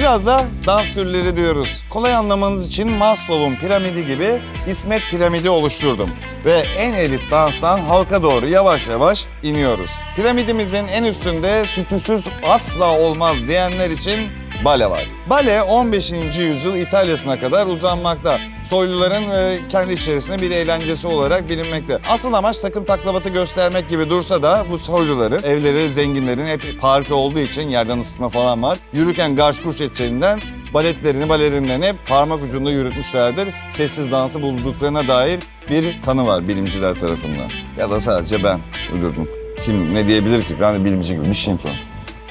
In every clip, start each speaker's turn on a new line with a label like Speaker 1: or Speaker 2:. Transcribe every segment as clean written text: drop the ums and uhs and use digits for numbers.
Speaker 1: Biraz da dans türleri diyoruz. Kolay anlamanız için Maslow'un piramidi gibi İsmet piramidi oluşturdum. Ve en elit danstan halka doğru yavaş yavaş iniyoruz. Piramidimizin en üstünde tütüsüz asla olmaz diyenler için bale var. Bale 15. yüzyıl İtalya'sına kadar uzanmakta. Soyluların kendi içerisinde bir eğlencesi olarak bilinmekte. Asıl amaç takım taklavatı göstermek gibi dursa da bu soyluların, evleri zenginlerin hep parke olduğu için yerden ısıtma falan var. Yürürken garş kuş edeceğinden balerinlerini hep parmak ucunda yürütmüşlerdir. Sessiz dansı bulduklarına dair bir kanı var bilimciler tarafından. Ya da sadece ben uydurdum. Kim ne diyebilir ki? Ben de bilimci gibi bir şeyim sonuçta.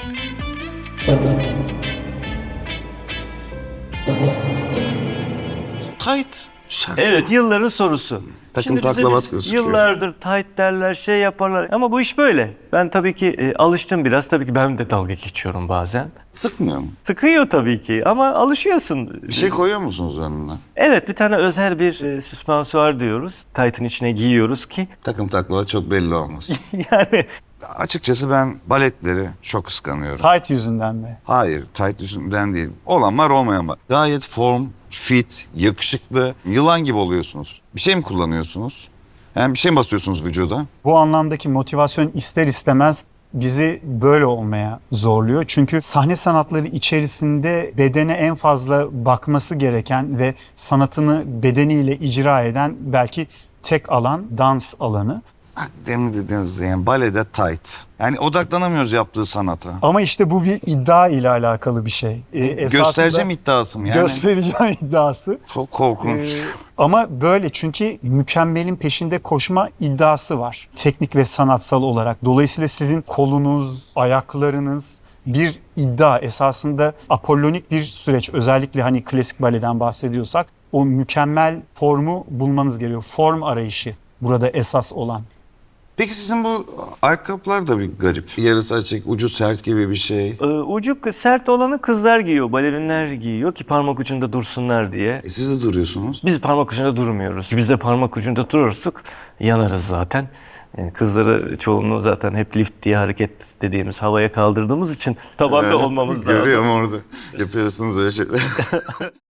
Speaker 2: Tight şarkı.
Speaker 3: Evet, yılların sorusu.
Speaker 2: Takım
Speaker 3: Şimdi bize
Speaker 2: taklavat
Speaker 3: biz
Speaker 2: gözüküyor.
Speaker 3: yıllardır tight derler, şey yaparlar ama bu iş böyle. Ben tabii ki alıştım biraz. Tabii ki ben de dalga geçiyorum bazen.
Speaker 2: Sıkmıyor mu?
Speaker 3: Sıkıyor tabii ki ama alışıyorsun.
Speaker 2: Bir şey koyuyor musunuz önüne?
Speaker 3: Evet, bir tane özel bir süspansuar diyoruz. Tight'ın içine giyiyoruz ki
Speaker 2: Takım taklavat çok belli olmaz.
Speaker 3: yani
Speaker 2: Açıkçası ben baletleri çok kıskanıyorum.
Speaker 4: Tight yüzünden mi?
Speaker 2: Hayır, tight yüzünden değil. Olan var, olmayan var. Gayet form, fit, yakışıklı, yılan gibi oluyorsunuz. Bir şey mi kullanıyorsunuz? Yani bir şey mi basıyorsunuz vücuda?
Speaker 4: Bu anlamdaki motivasyon ister istemez bizi böyle olmaya zorluyor. Çünkü sahne sanatları içerisinde bedene en fazla bakması gereken ve sanatını bedeniyle icra eden belki tek alan dans alanı.
Speaker 2: Bak demin dediğiniz yani balede tight. Yani odaklanamıyoruz yaptığı sanata.
Speaker 4: Ama işte bu bir iddia ile alakalı bir şey. Esasında
Speaker 2: Göstereceğim iddiası mı yani?
Speaker 4: göstereceğim iddiası.
Speaker 2: Çok korkunç.
Speaker 4: Ama böyle çünkü mükemmelin peşinde koşma iddiası var. Teknik ve sanatsal olarak. Dolayısıyla sizin kolunuz, ayaklarınız bir iddia. Esasında apollonik bir süreç. Özellikle hani klasik baleden bahsediyorsak o mükemmel formu bulmanız gerekiyor. Form arayışı burada esas olan.
Speaker 2: Peki sizin bu ayakkabılar da bir garip. Yarısı açık, ucu sert gibi bir şey.
Speaker 3: ucu sert olanı kızlar giyiyor, balerinler giyiyor ki parmak ucunda dursunlar diye.
Speaker 2: Siz de duruyorsunuz.
Speaker 3: Biz parmak ucunda durmuyoruz. Biz de parmak ucunda durursak yanarız zaten. Kızları çoğunluğu zaten hep lift diye hareket dediğimiz havaya kaldırdığımız için tabanda olmamız lazım.
Speaker 2: Görüyorum orada. Yapıyorsunuz öyle şeyler.